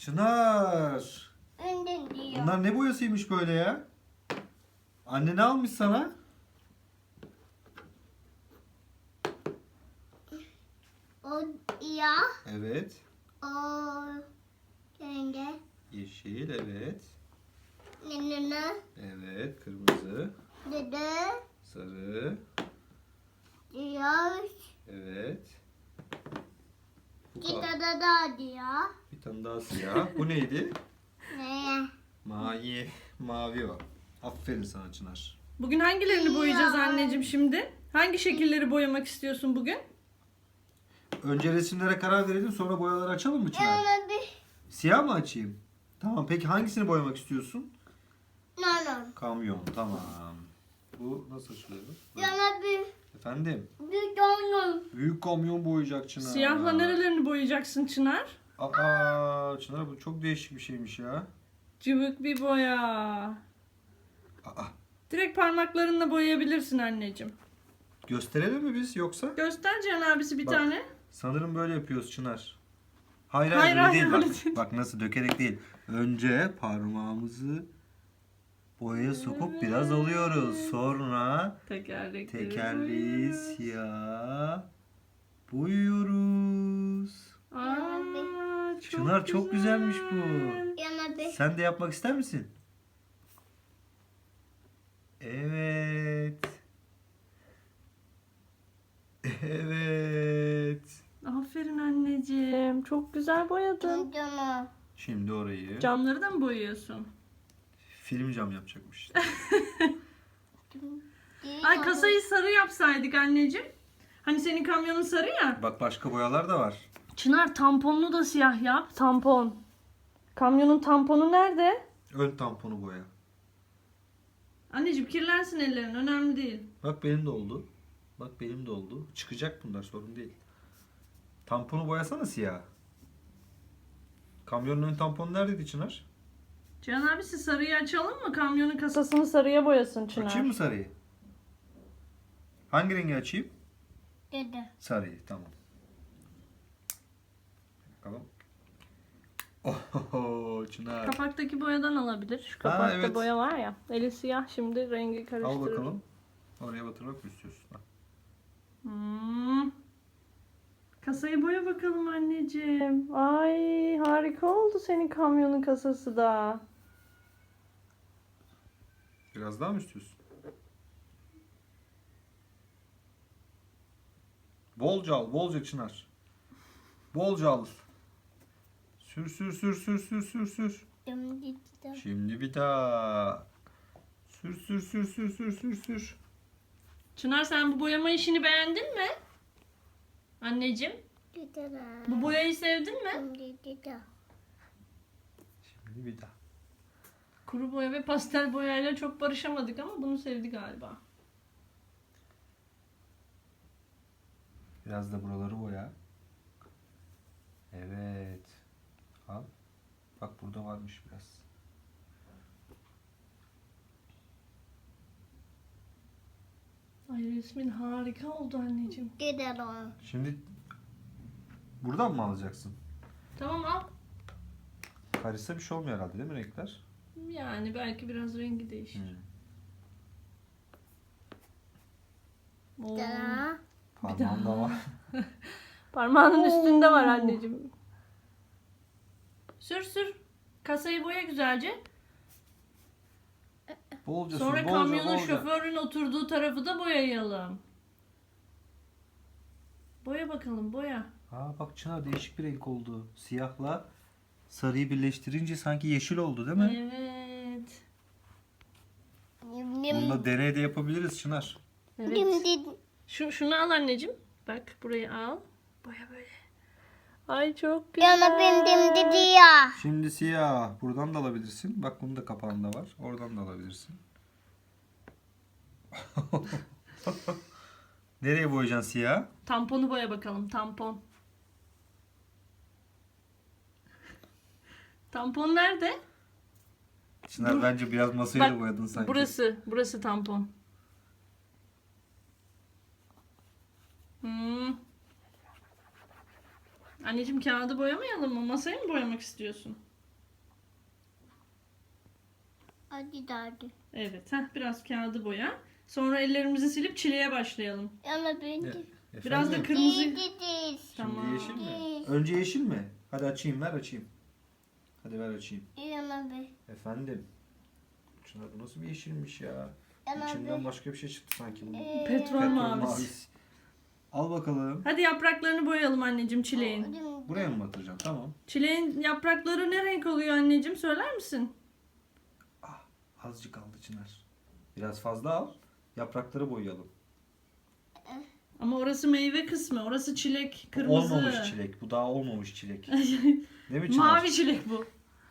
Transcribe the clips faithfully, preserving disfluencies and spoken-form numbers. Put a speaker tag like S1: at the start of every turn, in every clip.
S1: Çınar.
S2: Önden diyor.
S1: Bunlar ne boyasıymış böyle ya? Anne ne almış sana?
S2: O ya.
S1: Evet.
S2: O renge.
S1: Yeşil, evet.
S2: Ne ne ne.
S1: Evet, kırmızı,
S2: Dede.
S1: sarı,
S2: Diyor.
S1: evet. Bu
S2: Kita
S1: ka-
S2: da da diyor.
S1: bir tane daha siyah. Bu neydi?
S2: Ne?
S1: Mavi, mavi o. Aferin sana Çınar.
S3: Bugün hangilerini boyayacağız
S2: Ya.
S3: anneciğim şimdi? Hangi şekilleri boyamak istiyorsun bugün?
S1: Önce resimlere karar verelim, sonra boyaları açalım mı Çınar?
S2: Yana bir.
S1: Siyah mı açayım? Tamam, peki hangisini boyamak istiyorsun?
S2: No no.
S1: Kamyon, tamam. Bu nasıl açılıyor? Böyle.
S2: Yana bir.
S1: Efendim?
S2: Bir donun.
S1: Büyük kamyon boyayacak Çınar.
S3: Siyahla nerelerini boyayacaksın Çınar?
S1: Aa, Çınar bu çok değişik bir şeymiş ya.
S3: Cıvık bir boya.
S1: Aa,
S3: Direkt parmaklarınla boyayabilirsin anneciğim.
S1: gösterelim mi biz yoksa?
S3: Göster Cihan abisi bir
S1: Bak.
S3: tane.
S1: Sanırım böyle yapıyoruz Çınar. Hayır hayır,
S3: Hayır,
S1: öyle
S3: hayır,
S1: değil
S3: öyle
S1: bak.
S3: değil.
S1: Bak nasıl, dökerek değil. Önce parmağımızı boyaya sokup biraz alıyoruz. Sonra
S3: Tekerlekleri
S1: tekerleği
S3: boyuyoruz.
S1: siyah boyuyoruz.
S3: Aa, çok
S1: Çınar çok güzelmiş bu.
S2: Yana bir.
S1: Sen de yapmak ister misin? Evet. Evet.
S3: Aferin anneciğim. Çok güzel boyadın.
S2: Donu.
S1: Şimdi orayı
S3: Camları da mı boyuyorsun?
S1: film cam yapacakmış.
S3: Ay kasayı sarı yapsaydık anneciğim. Hani senin kamyonun sarı ya.
S1: Bak başka boyalar da var.
S3: Çınar tamponunu da siyah yap. Tampon. Kamyonun tamponu nerede?
S1: Ön tamponu boya.
S3: Anneciğim kirlensin ellerin. Önemli değil.
S1: Bak benim de oldu. Bak benim de oldu. Çıkacak bunlar, sorun değil. Tamponu boyasana siyah. Kamyonun ön tamponu neredeydi Çınar?
S3: Cihan abisi sarıyı açalım mı? Kamyonun kasasını sarıya boyasın Çınar.
S1: Açayım mı sarıyı? Hangi rengi açayım?
S2: Dede.
S1: Sarıyı, tamam. Bakalım. Oho Çınar.
S3: Kapaktaki boyadan alabilir. Şu kapakta
S1: evet.
S3: boya var ya. Eli siyah, şimdi rengi
S1: Al
S3: karıştırır.
S1: bakalım. Oraya batırmak mı istiyorsun? Bak.
S3: Hmm. Kasayı boya bakalım anneciğim. Ay harika oldu senin kamyonun kasası da.
S1: Biraz daha mı istiyorsun? Bolca al, bolca Çınar. Bolca al. Sür sür sür sür sür sür sür.
S2: Dum dum.
S1: Şimdi bir daha. Sür sür sür sür sür sür sür.
S3: Çınar sen bu boyama işini beğendin mi? Anneciğim.
S2: Dede.
S3: Bu boyayı sevdin mi?
S2: Dum dede.
S1: Şimdi bir daha.
S3: Kuru boya ve pastel boyayla çok barışamadık ama bunu sevdi galiba.
S1: Biraz da buraları boya. Evet. Al. Bak burada varmış biraz.
S3: Ay resmin harika oldu anneciğim.
S2: Dede don.
S1: Şimdi buradan mı alacaksın?
S3: Tamam al.
S1: Karışsa bir şey olmuyor herhalde, değil mi renkler?
S3: Yani belki biraz rengi değişir.
S1: Hmm.
S3: Oo.
S2: Dede.
S1: Parmağımda var.
S3: Parmağının üstünde var anneciğim. Sür sür. Kasayı boya güzelce.
S1: Bolca
S3: Sonra
S1: sür, bolca,
S3: kamyonun
S1: bolca.
S3: şoförün oturduğu tarafı da boyayalım. Boya bakalım boya.
S1: Aa bak Çınar, değişik bir renk oldu. Siyahla sarıyı birleştirince sanki yeşil oldu değil mi?
S3: Evet.
S2: Nim
S1: Bunu da
S2: nim.
S1: deney de yapabiliriz Çınar.
S2: Nim
S3: Evet.
S2: nim.
S3: Şu, şunu al anneciğim. Bak burayı al. Boya böyle. Ay çok güzel.
S2: Yana bin dim dede ya.
S1: Şimdi siyah. Buradan da alabilirsin. Bak bunun da kapağında var. Oradan da alabilirsin. Nereye boyayacaksın siyah?
S3: Tamponu boya bakalım. Tampon. Tampon nerede?
S1: Çınar
S3: Dur.
S1: bence biraz masayı da
S3: Bak,
S1: boyadın sanki.
S3: Burası. Burası tampon. Hmm. Anneciğim kağıdı boyamayalım mı? Masayı mı boyamak istiyorsun?
S2: Hadi hadi.
S3: Evet. Heh, biraz kağıdı boya. Sonra ellerimizi silip çileğe başlayalım.
S2: Yana ben de.
S3: Biraz da
S1: Efendim?
S3: kırmızı.
S2: Değil.
S3: Tamam.
S1: Şimdi yeşil mi? Önce yeşil mi? Hadi açayım, ver açayım. Hadi ver açayım.
S2: Yana ben.
S1: Efendim. Çınar bu nasıl bir yeşilmiş ya?
S2: Yana
S1: İçinden
S2: ben.
S1: başka bir şey çıktı sanki bunun.
S2: Ee,
S3: Petrol
S1: Petrol
S3: mavisi.
S1: mavisi. Al bakalım.
S3: Hadi yapraklarını boyayalım anneciğim çileğin.
S2: Hadi.
S1: Buraya mı batıracaksın? Tamam.
S3: Çileğin yaprakları ne renk oluyor anneciğim, söyler misin?
S1: Ah, azıcık aldı Çınar. Biraz fazla al. Yaprakları boyayalım.
S3: Ama orası meyve kısmı. Orası çilek. Kırmızı.
S1: Olmamış çilek. Bu daha olmamış çilek. Değil mi Çınar?
S3: Mavi çilek bu.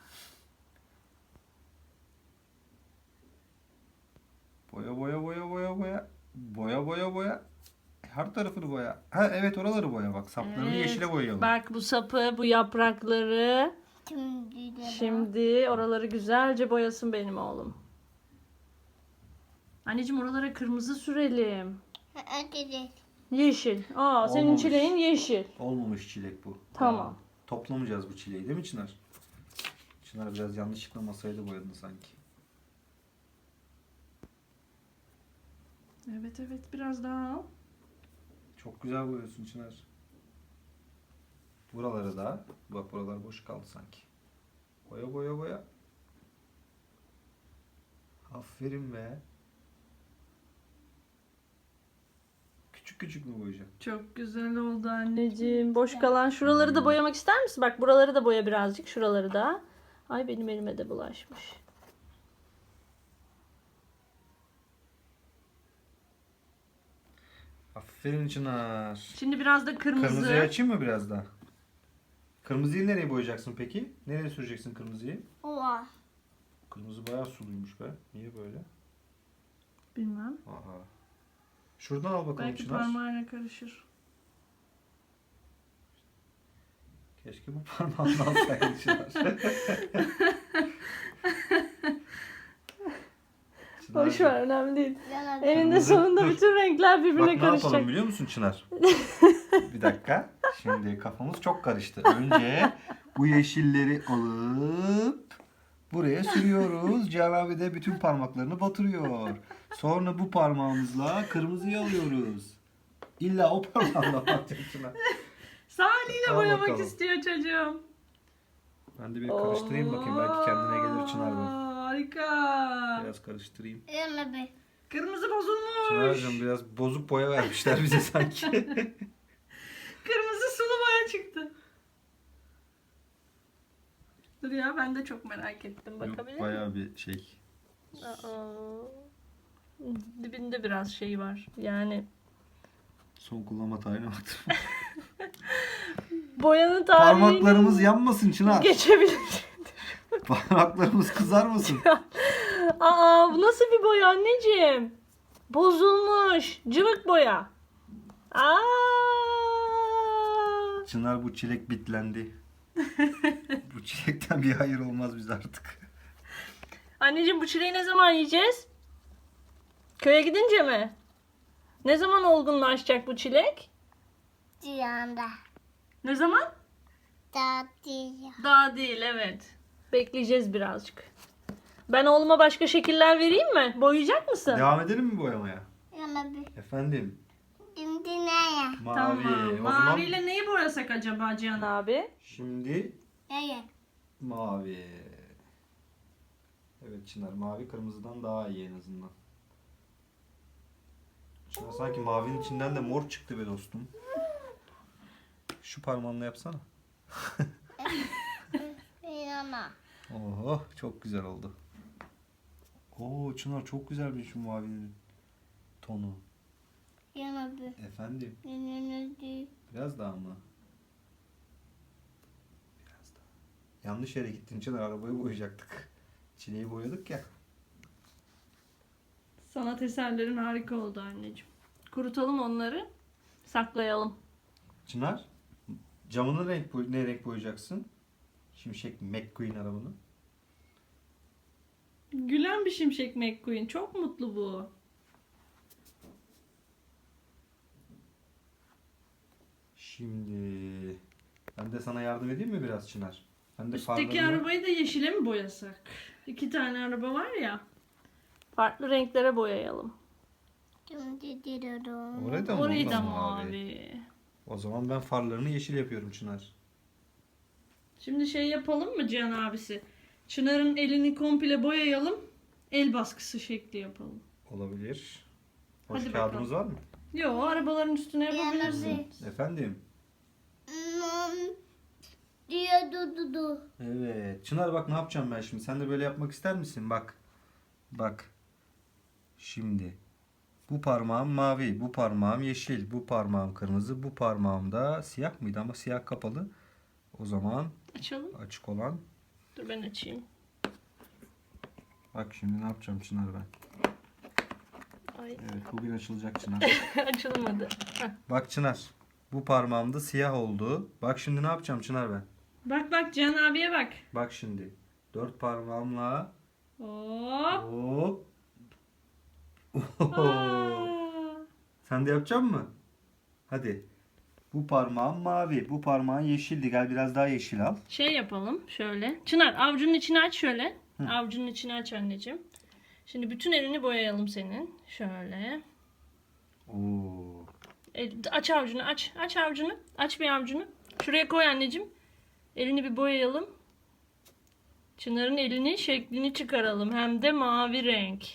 S1: Boya boya boya boya boya. Boya boya boya. Her tarafını boya. Ha evet, oraları boya bak. Saplarını
S3: Evet.
S1: yeşile boyayalım.
S3: Bak bu sapı, bu yaprakları.
S2: Şimdi de.
S3: Şimdi oraları güzelce boyasın benim oğlum. Anneciğim oralara kırmızı sürelim.
S2: Hadi de.
S3: Yeşil. Aa, senin
S1: Olmamış.
S3: çileğin yeşil.
S1: Olmamış çilek bu.
S3: Tamam.
S1: Aa, toplamayacağız bu çileği değil mi Çınar? Çınar biraz yanlışlıkla masayı da boyadı sanki.
S3: Evet evet, biraz daha al.
S1: Çok güzel boyuyorsun Çınar. Buraları da. Bak buralar boş kaldı sanki. Boya boya boya. Aferin be. Küçük küçük mü boyayacaksın?
S3: Çok güzel oldu anneciğim. Boş kalan şuraları da boyamak ister misin? Bak buraları da boya birazcık. Şuraları da. Ay benim elime de bulaşmış.
S1: Aferin Çınar.
S3: Şimdi biraz da kırmızı.
S1: Kırmızıyı açayım mı biraz daha? Kırmızıyı nereye boyayacaksın peki? Nereye süreceksin kırmızıyı?
S2: Oha.
S1: Kırmızı bayağı suluymuş be. Niye böyle?
S3: Bilmem.
S1: Aha. Şuradan al bakalım
S3: Belki
S1: Çınar.
S3: parmağıyla karışır.
S1: Keşke bu parmağını alsaydın Çınar. Çınar.
S3: Boş ver, önemli değil.
S2: Yana ben.
S3: Eninde
S1: Kırmızı-
S3: sonunda
S1: dur.
S3: bütün renkler
S1: Bak
S3: birbirine
S1: ne yapalım
S3: karışacak.
S1: biliyor musun Çınar? Bir dakika. Şimdi kafamız çok karıştı. Önce bu yeşilleri alıp buraya sürüyoruz. Cihan abi de bütün parmaklarını batırıyor. Sonra bu parmağımızla kırmızıyı alıyoruz. İlla o parmağınla batacak Çınar.
S3: Saniyle
S1: Al
S3: boyamak
S1: bakalım.
S3: istiyor çocuğum.
S1: Ben de bir karıştırayım bakayım. Belki kendine gelir Çınar bu.
S3: Oo, harika.
S1: Biraz karıştırayım.
S2: Yana ben.
S3: Kırmızı bozulmuş.
S1: Çınar'cığım biraz bozuk boya vermişler bize sanki.
S3: Kırmızı sulu boya çıktı. Dur ya, ben de çok merak ettim. Bakabilir
S1: Yok,
S3: miyim?
S1: bayağı bir şey.
S3: Aa, dibinde biraz şey var. Yani
S1: Son kullanma tarihine baktım.
S3: boyanın tarihini
S1: Parmaklarımız yanmasın Çınar.
S3: geçebilir.
S1: Parmaklarımız kızarmasın.
S3: Aa, bu nasıl bir boya anneciğim? Bozulmuş. Cıvık boya. Aa!
S1: Çınar bu çilek bitlendi. Bu çilekten bir hayır olmaz bize artık.
S3: Anneciğim bu çileği ne zaman yiyeceğiz? Köye gidince mi? Ne zaman olgunlaşacak bu çilek?
S2: Cihanda.
S3: Ne zaman?
S2: Tatlıya.
S3: Daha değil, evet. Bekleyeceğiz birazcık. Ben oğluma başka şekiller vereyim mi? Boyayacak mısın?
S1: Devam edelim mi boyamaya?
S2: Yana ben.
S1: Efendim.
S2: Şimdi ne ya?
S1: Mavi.
S3: Tamam.
S1: O zaman
S3: Maviyle neyi boyasak acaba Cihan abi?
S1: şimdi
S2: Ne ya?
S1: mavi. Evet Çınar, mavi kırmızıdan daha iyi en azından. Çınar sanki mavinin içinden de mor çıktı be dostum. Şu parmağınla yapsana.
S2: Yana.
S1: Oh çok güzel oldu. Oo Çınar çok güzelmiş şu mavinin tonu.
S2: Yana ben.
S1: Efendim
S2: Yana değil.
S1: biraz daha mı? Biraz daha. Yanlış yere gittin Çınar, arabayı boyayacaktık. Çileği boyadık ya.
S3: Sanat eserlerin harika oldu anneciğim. Kurutalım onları. Saklayalım.
S1: Çınar camını renk boy ne renk boyayacaksın? Şimşek McQueen arabanı.
S3: Gülen bir şimşek McQueen. Çok mutlu bu.
S1: Şimdi ben de sana yardım edeyim mi biraz Çınar? Ben de
S3: Üstteki
S1: farlarını-
S3: arabayı da yeşile mi boyasak? İki tane araba var ya. Farklı renklere boyayalım.
S2: Şimdi diyorum.
S1: Orayı da mı?
S3: Orayı
S1: Onu
S3: da
S1: mavi?
S3: mavi.
S1: O zaman ben farlarını yeşil yapıyorum Çınar.
S3: Şimdi şey yapalım mı Cihan abisi? Çınar'ın elini komple boyayalım. El baskısı şekli yapalım.
S1: Olabilir. Boş
S3: Hadi
S1: kağıdımız var mı?
S3: Yo, arabaların üstüne yapabilirsin.
S2: Yapabiliriz.
S1: Efendim?
S2: Hmm, diye du du du.
S1: Evet. Çınar bak ne yapacağım ben şimdi. Sen de böyle yapmak ister misin? Bak. Bak. Şimdi. Bu parmağım mavi, bu parmağım yeşil, bu parmağım kırmızı, bu parmağım da siyah mıydı ama siyah kapalı. O zaman
S3: Açalım.
S1: açık olan.
S3: Dur ben açayım.
S1: Bak şimdi ne yapacağım Çınar ben.
S3: Ay
S1: Evet bugün açılacak Çınar.
S3: açılmadı. Heh.
S1: Bak Çınar. Bu parmağımda siyah oldu. Bak şimdi ne yapacağım Çınar ben.
S3: Bak bak Cihan abiye bak.
S1: Bak şimdi. Dört parmağımla
S3: Hop.
S1: hop.
S3: Aa.
S1: Sen de yapacak mısın? Hadi. Bu parmağım mavi. Bu parmağın yeşildi. Gel biraz daha yeşil al.
S3: Şey yapalım şöyle. Çınar avucunun içini aç şöyle. Avucunun içini aç anneciğim. Şimdi bütün elini boyayalım senin. Şöyle.
S1: Oo.
S3: El, aç avucunu aç. Aç avucunu. Aç bir avucunu. Şuraya koy anneciğim. Elini bir boyayalım. Çınar'ın elini şeklini çıkaralım. Hem de mavi renk.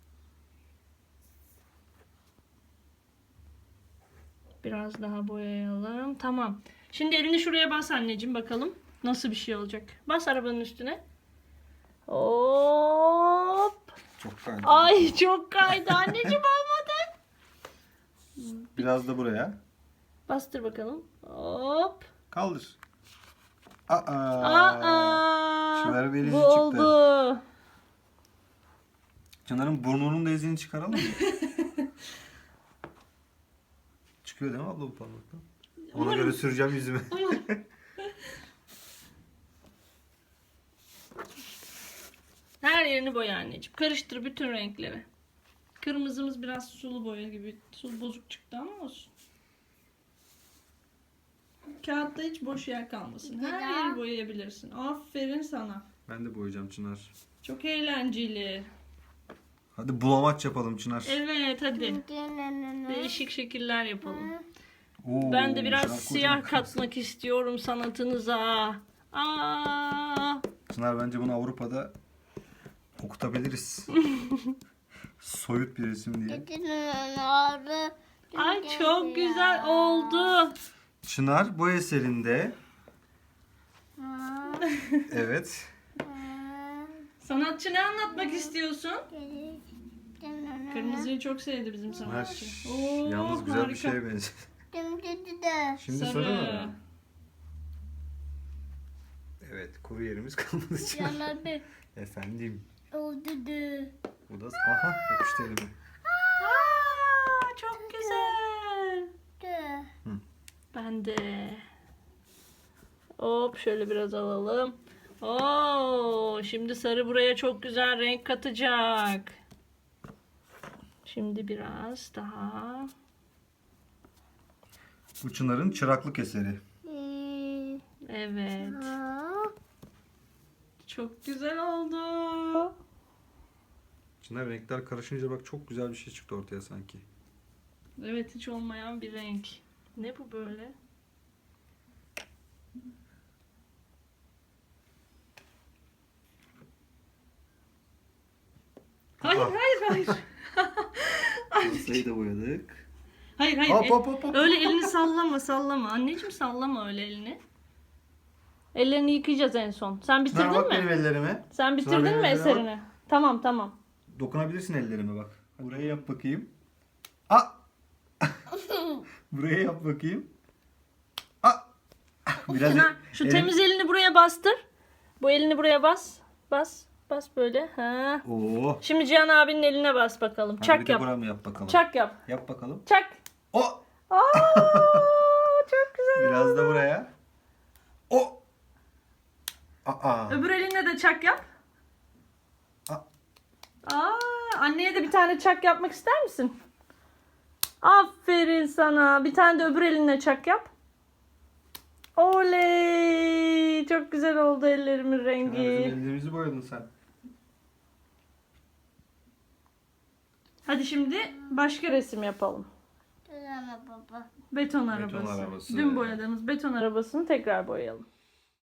S3: Biraz daha boyayalım. Tamam. Şimdi elini şuraya bas anneciğim bakalım. Nasıl bir şey olacak. Bas arabanın üstüne. Hop.
S1: Çok kaydı.
S3: Ay çok kaydı anneciğim olmadı.
S1: Biraz da buraya.
S3: Bastır bakalım. Hop.
S1: Kaldır. Aa.
S3: Aa.
S1: Çınar bir
S3: Bu
S1: elici çıktı.
S3: oldu.
S1: Çınar'ın burnunun da izini çıkaralım mı? Çıkıyor değil mi abla bu parmaktan? Ona
S3: Umarım.
S1: göre süreceğim yüzüme.
S3: Her yerini boya anneciğim. Karıştır bütün renkleri. Kırmızımız biraz sulu boya gibi. Sulu bozuk çıktı ama olsun. Kağıtta hiç boş yer kalmasın. Her
S2: Güzel.
S3: yeri boyayabilirsin. Aferin sana.
S1: Ben de boyayacağım Çınar.
S3: Çok eğlenceli.
S1: Hadi bulamaç yapalım Çınar.
S3: Evet hadi.
S2: Değişik.
S3: Değişik şekiller yapalım.
S1: Oo,
S3: Ben de biraz
S1: Çınar
S3: siyah
S1: kocaman.
S3: katmak istiyorum sanatınıza. Aa!
S1: Çınar bence bunu Avrupa'da okutabiliriz. Soyut bir resim diye.
S3: Ay çok güzel oldu.
S1: Çınar bu eserinde evet
S3: Sanatçı ne anlatmak istiyorsun? Kırmızıyı çok sevdi bizim
S1: Çınar
S3: sanatçı. Oo,
S1: yalnız güzel bir
S3: harika.
S1: şeye benziyor. Şimdi
S3: Sarı.
S1: sarı mı? Evet kuru yerimiz kalmadı Çınar.
S2: Yana bir
S1: Efendim.
S2: oldu.
S1: Bu da aha yapıştı elime.
S3: Aa, çok güzel. Ben de. Hop şöyle biraz alalım. Oo, şimdi sarı buraya çok güzel renk katacak. Şimdi biraz daha.
S1: Bu Çınar'ın çıraklık eseri.
S3: Evet. Çok güzel oldu.
S1: Çınar renkler karışınca bak çok güzel bir şey çıktı ortaya sanki.
S3: Evet hiç olmayan bir renk. Ne bu böyle? Hayır
S1: Aa.
S3: hayır hayır.
S1: Masayı da boyadık.
S3: Hayır hayır.
S1: Hop
S3: El-
S1: hop hop hop.
S3: Öyle elini sallama sallama. Anneciğim sallama öyle elini. Ellerini yıkayacağız en son. Sen bitirdin
S1: Çınar bak
S3: mi?
S1: benim ellerime.
S3: Sen
S1: Çınar
S3: bitirdin
S1: benim
S3: mi
S1: ellerime
S3: eserini? Tamam tamam.
S1: Dokunabilirsin ellerime bak. Buraya yap bakayım. Aa! Buraya yap bakayım. Aa! Biraz
S3: Çınar, şu
S1: elim-
S3: temiz elini buraya bastır. Bu elini buraya bas. Bas. Bas böyle. Ha.
S1: Oo.
S3: Şimdi Cihan abinin eline bas bakalım.
S1: Hadi bir
S3: Çak
S1: de
S3: yap.
S1: buramı yap bakalım.
S3: Çak yap.
S1: Yap bakalım.
S3: Çak.
S1: O!
S3: Aa, çok güzel.
S1: Biraz da buraya. O! Aa!
S3: Öbür eline de çak yap.
S1: Aa!
S3: Aa, anneye de bir tane çak yapmak ister misin? Aferin sana. Bir tane de öbür eline çak yap. Oley! Çok güzel oldu ellerimin
S1: Çınar,
S3: rengi.
S1: bizim ellerimizi boyadın sen.
S3: Hadi şimdi başka resim yapalım.
S2: Ama baba.
S3: Beton arabası.
S1: arabası.
S3: Dün boyadığımız beton arabasını tekrar boyayalım.